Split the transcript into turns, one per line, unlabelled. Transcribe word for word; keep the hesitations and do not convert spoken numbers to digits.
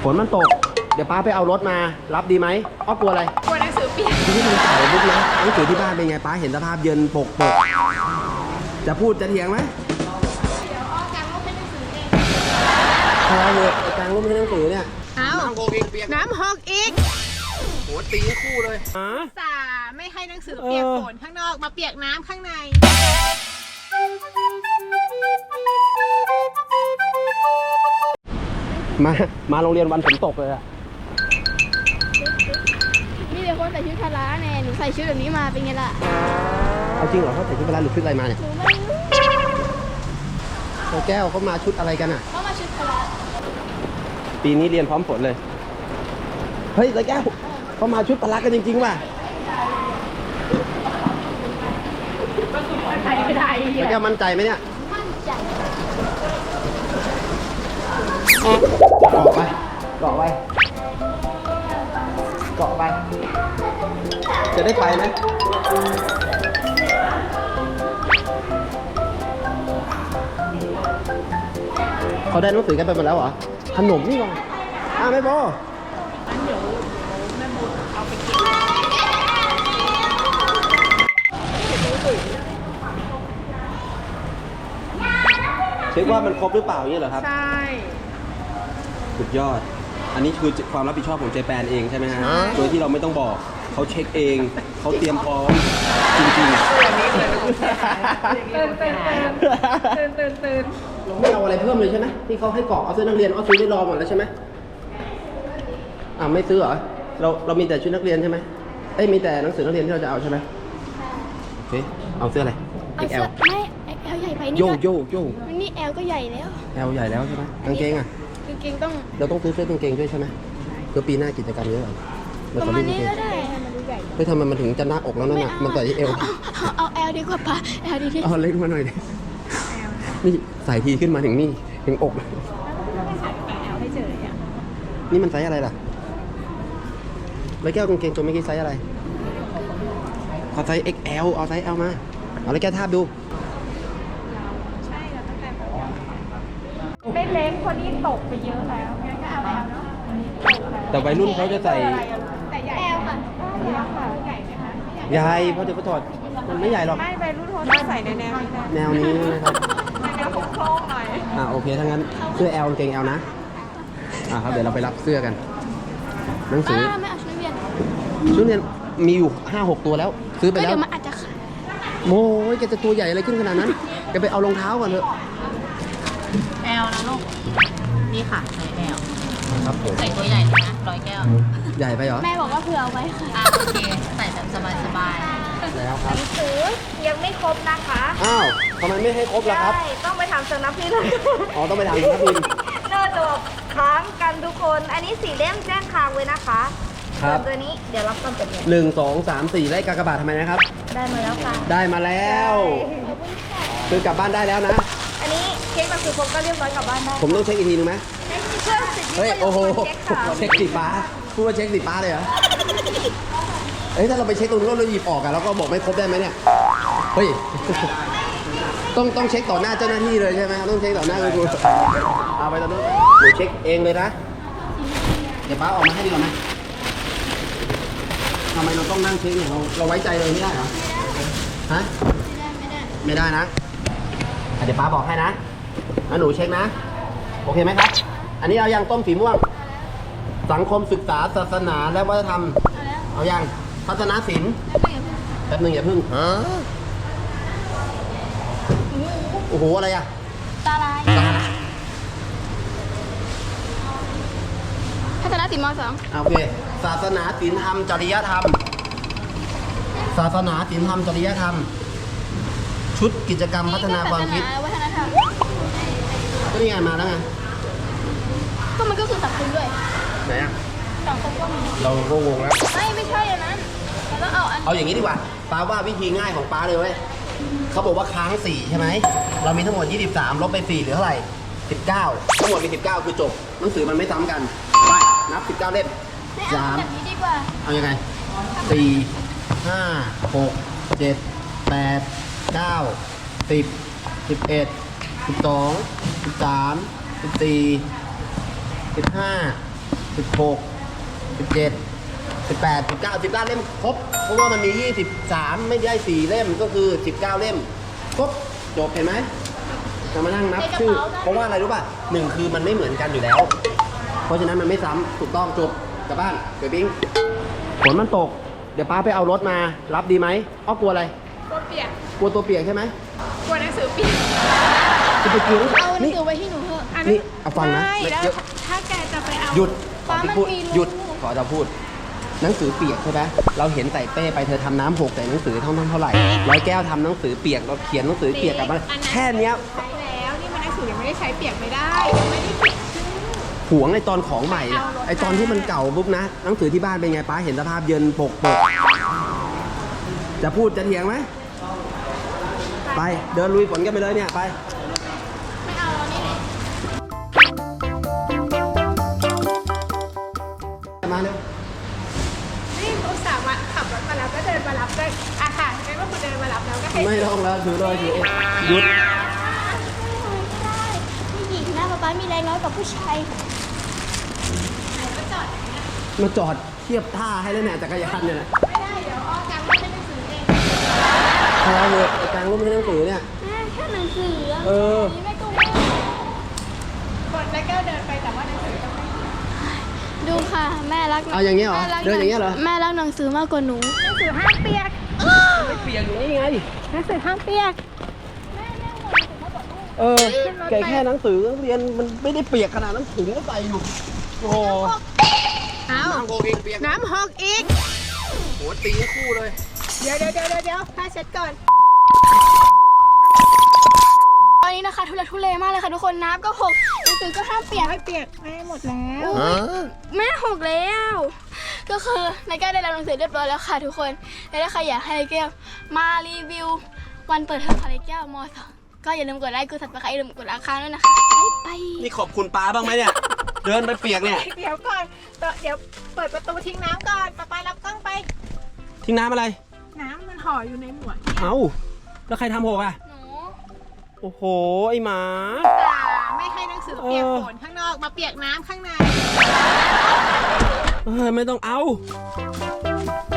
ฝนมันตกเดี๋ยวป้าไปเอารถมารับดีไหมอ้อกลัวอะไร
กลัวหนังสือเปียก
ที่มันเก่าบุ๊กนะหนังสือที่บ้านเป็นไงป้าเห็นสภาพเยินปกปกจะพูดจะเถียงไหม
เดี๋ยวอ้อกางร่มเป็นหนังสือเอง
พอเลยกางร่มเป็นหนังสือเนี่ย
น้ำหกอีกเปียกน้ำหกอีก
โหตีคู่เลย
สาไม่ให้หนังสือเปียกฝนข้างนอกมาเปียกน้ำข้างใน
มามาโรงเรียนวันฝนตกเลยอะ
นี่เดี๋ยวคนใส่ชุดพละแน่หนูใส่ชุดแบบนี้มาเป็นไงล่ะ
เอาจริงเหรอเขาใส่ชุดพละหรือชุดอะไรมาเนี่ย
หนูไม่รู้
แก้วเขามาชุดอะไรกันอ่ะ
เขามาชุดพละ
ปีนี้เรียนพร้อมฝนเลยเฮ้ยแก้วเขามาชุดพละกันจริงๆว่ะแก้วมั่นใจไหมเนี่ย
มั่นใจ
เกาะไปเกาะไปเกาะไปจะได้ไปไหมเขาได้หนังสือกันไปหมดแล้วเหรอขนมนี่ก่อนอ้าวไม่พองั้นเดี๋ยวแม่โมเอาไปเก็บเช็คว่ามันครบหรือเปล่าอย่างนี้เหรอครับ
ใช่
สุดยอดอันนี้คือความรับผิดชอบของเจแปนเองใช่ไหมฮะโดยที่เราไม่ต้องบอกเขาเช็คเองเขาเตรียมพร้อมจริงๆ
ตื่นตื่นตื่นตื่นตื่น
ไม่เอาอะไรเพิ่มเลยใช่ไหมที่เขาให้กรอกเอาเสื้อนักเรียนเอาซื้อได้รอหมดแล้วใช่ไหมอ่าไม่ซื้อเหรอเราเรามีแต่ชุดนักเรียนใช่ไหมเอ้ยมีแต่หนังสือนักเรียนที่เราจะเอาใช่ไหมโอเคเอาเสื้ออะไร
เอ็กแอลไม่เอ็กแอลใหญ่ไปนี่
โยโยโย
นี่แอลก็ใหญ่แล้ว
แอลใหญ่แล้วใช่ไหมกางเกงอ่ะ
กางเกงต้อง
เราต้องซื้อเสื้อกางเกงด้วยใช่ไหมเพื่อปีหน้ากิจกรรมเยอะ
ประมาณนี้ก็ได้
เฮ้ยทำไมมันถึงจะหน้าอกแล้วนั่นน่ะมันใส่ที่เอว
เอาแอลดีกว่าป่ะแอลดีที่
เอาเล็กมาหน่อยดินี่ใส่ทีขึ้นมาถึงนี่ถึงอกนี่มันไซส์อะไรล่ะแล้วแก้วกางเกงตัวเมื่อกี้ไซส์อะไรเอาไซส์ เอ็กซ์ แอล เอาไซส์ L มาเอาแล้วแก้วทาบดู
ใช่แล้วตั้งแต่ไม่เล็กคนนี้ตกไปเยอะแล้วงั้นก็เอาแล้วเนาะ
แต่วัยรุ่นเขาจะใส่
แต่ใหญ่แอลค่ะใหญ่ค่ะใหญ่ไหมคะ
ใหญ่เพราะเดี๋ยวเขาถอดมันไม่ใหญ่หรอก
ไม่วัยรุ่นเขาจะใส่ในแนวนี้
แนวนี้นะครับ
แนวโค้งๆหน่อย
อ่าโอเคถ้างั้นเสื้อ L กางเกง L นะอ่าครับเดี๋ยวเราไปรับเสื้อกันหนังสือ
ไม่เอาชุดเรียน
ชุดเรียนมีอยู่ ห้าหก ตัวแล้วซื้อไปแล้ว
เดี๋ยวมันอาจจะขาด
โม้ยแกจะตัวใหญ่อะไรขึ้นขนาดนั้นแกไปเอารองเท้าก่อนเถอะ
L นะลูกนี่ค่ะใส่ L
ครับผม
ใส่ตัวใหญ่เลยนะร้อยแก้ว
ใหญ่ไปเหรอ
แม่บอกว่าเผื่อเอาไว้ค่ะ
อ่ะโอเคใส่แบบสบาย
ๆแล้วครับ
หนังสือยังไม่ครบนะคะ
อ้าวทำไมไม่ให้ครบล่ะครับ
ใช่ต้องไปทำสำนักพิมพ์
อ๋อต้องไปทำสำนักพิมพ์
น่าจะแบบค้างกันทุกคนอันนี้สี่เล่มแจ้งค้างไว้นะคะ
ครับ
ตัวนี้เดี๋ยวรับความจด
หนึ่งสองสามสี่ไล่กากบาททำไมนะครับ
ได้มาแล้วค่ะ
ได้มาแล้วคือกลับบ้านได้แล้วนะ
อันนี้เช็คหนังสือครบก็เรียบร้อยกลับบ้านได้
ผมต้องเช็คอีกทีนึงไหม
เช็คสิ
เฮ้ยโอ้โหเช็คสีฟ้าพูดว่าเช็คสีฟ้าเลยเหรอเอ้ยถ้าเราไปเช็คตรงนู้นเราหยิบออกอะแล้วก็บอกไม่ครบได้ไหมเนี่ยเฮ้ยต้องต้องเช็คต่อหน้าเจ้าหน้าที่เลยใช่ไหมต้องเช็คต่อหน้าคุณครูเอาไปตอนนู้นเดี๋ยวเช็คเองเลยนะเดี๋ยวป้าออกมาให้ดีกว่าไหมทำไมเราต้องนั่งเช็คเนี่ยเราเราไว้ใจเลยไม่ได้เหรอฮะไม่ได้ไม่ได้นะเดี๋ยวป้าบอกให้นะแล้วหนูเช็คนะโอเคไหมครับอันนี้เอายังต้มสีม่วงสังคมศึกษาศาสนาและวัฒนธรรมเอายังทัศนศิลป์แป๊บนึงอย่าพึ่งโอ้โหอะไรอะ
ตาลายทัศนศิลป์ม.สอง
โอเคศาสนาศีลธรรมจริยธรรมศาสนาศีลธรรมจริยธรรมชุดกิจกรรมพัฒนาความคิด
วัฒนธรรม
ก็นี่ไงมาแล้วไง
ก็มันก็คือสังคมด้วย
ไหนอะ
สังคมก็มี
เราก็งงแล้ว
ไม่ไม่ใช่อันนั้นแล้วเอาอัน
เอาอย่างนี้ดีกว่าป้าว่าวิธีง่ายของป้าเลยเว้ยเขาบอกว่าค้างสี่ใช่ไหมเรามีทั้งหมดยี่สิบสามลบไปสี่เหลือเท่าไหร่สิบเก้าทั้งหมดมีสิบเก้าคือจบหนังสือมันไม่ซ้ำกันไปนับสิบเก้าเล่ม
สามแบบนี้ดีกว่า
เอายังไงสี่ห้าหกเจ็ดแปดเก้าสิบสิบเอ็ดสิบสองสิบสามสิบสี่สิบห้าสิบหก สิบเจ็ด สิบแปด สิบเก้า สิบเก้าเล่มครบ เพราะว่ามันมียี่สิบสามไม่ได้สี่เล่มก็คือสิบเก้าเล่มครบจบเห็นไหมจะมานั่งนับชื่อ เพราะว่าอะไรรู้ป่ะหนึ่งคือมันไม่เหมือนกันอยู่แล้ว เพราะฉะนั้นมันไม่ซ้ำถูกต้องจบกลับบ้านเกิดบิ้งฝนมันตก เดี๋ยวป้าไปเอารถมารับดีไหมอ้อกลัวอะไร
ตัวเปียก
กลัวตัวเปียกใช่ไหม
กลัวหนังสือเปียก
จะไปกิน
เอาหนัง
นี่
สือไว้ที่หนูเถอะ
อัน
นี่
นั้น
เอาฟังนะ
ไม่แล้ว
เดี๋ยว
ถ้าแกจะไปเอา
หยุด
ป้า
ขอ
มัน
พูด
มีรู
หยุดขอจะพูด หนังสือเปียกใช่ไหมเราเห็นใส่เป้ไปเธอทำน้ำหกใส่หนังสือเท่านั้นเท่าไหร่ร้อยแก้วทำหนังสือเปียกเราเขียนหนังสือเปียกกลับมา
อั
แค่เนี้ย
ใช้แล้วนี่มันหนังสือยังไม่ได้ใช้เปียกไม่ได้ยังไม่ได้เปียกชื่อ
หวงไอตอนของใหม่เนี่ย
เอารถ
ไอตอนที่มันเก่าปุ๊บนะหนังสือที่บ้านเป็นไงป้าเห็นสภาพเยินปกปกจะพูดจะเถียงไหมไปเดินลุยฝนกันไปเลยเนี่ยไป
ไม่เอาแล้วนี่แหละ
มาเร็ว
นี่อุตส่าห์มาขับรถมาแล้วก็เดินมารับด้วยอ่ะค่ะงั้นว่าคุณเดินมารับแล้วก็ให้
ไม่ต้องแล้วถือเลยถือเองหยุด
ไม่ได้ผู้หญิงนะป๊าป๊ามีแรงน้อยกว่าผู้ชายค่ะ
มาจอดเทียบท่าให้แล้วเนี่ยจักรยานเนี่ยนะ
ไม่ได้เดี๋ยวอ้อกางไม่ให้หนังสือเอง
พอเลยไอ้กลางรูปให้หนังสือเนี่ย
แม่แค่หนังสืออะ
เออ
นี่ไม่กลัว
คนแล้วก็เดินไปแต่ว่าหนังสือต้องไม่
ดูค่ะแม่รัก
เอาอย่างเงี้ยเหรอ
แม่รัก
เดินอย่างเงี้ยเหรอ
แม่รักหนังสือมากกว่าหนู
หนังสือห้ามเปียก
ไม่เปียกอยู่นี่ไง
หนังสือห้ามเปียก
เออแกแค่หนังสือเรียนมันไม่ได้เปียกขนาดหนังสือก็ใส่อยู่โอ้โห
เอา
น้ำโกเองเปียก
น้ำหกอีก
โหตีคู่เลย
เดี๋ยวเดี๋ยวเดี๋ยวเดี๋ยวผ้าเช็ดก่อน
ตอนนี้นะคะทุเรศทุเลมากเลยค่ะทุกคนน้ำก็หกหนังสือก็ห้ามเปียก
ไม่เปียกไม่หมดแล้ว
แม่หกแล้ว ก็คือนายแก้วได้รับหนังสือเรียบร้อยแล้วค่ะทุกคนและถ้าใครอยากให้นายแก้วมารีวิววันเปิดเทอมของนายแก้วมสองก็อย่าลืมกดไลค์กดซับสไครต์อย่าลืมกดราคาด้วยนะคะไปไป
นี่ขอบคุณป้าบ้างไหมเนี่ย เดินไปเปียกเนี่ย
เดี๋ยวก่อนเดี๋ยวเปิดประตูทิ้งน้ำก่อนป๊าป๊ารับกล้องไป
ทิ้งน้ำอะไร
น้ำมันห่ออยู่ในหมวด
เอ้า แล้วใครทำหกอ่ะ
หนู
โอ้โห ไอหมา
จ่าไม่ให้หนังสือเปียกฝนข้างนอกมาเปียกน้ำข้างใน
เออไม่ต้องเอา
ไ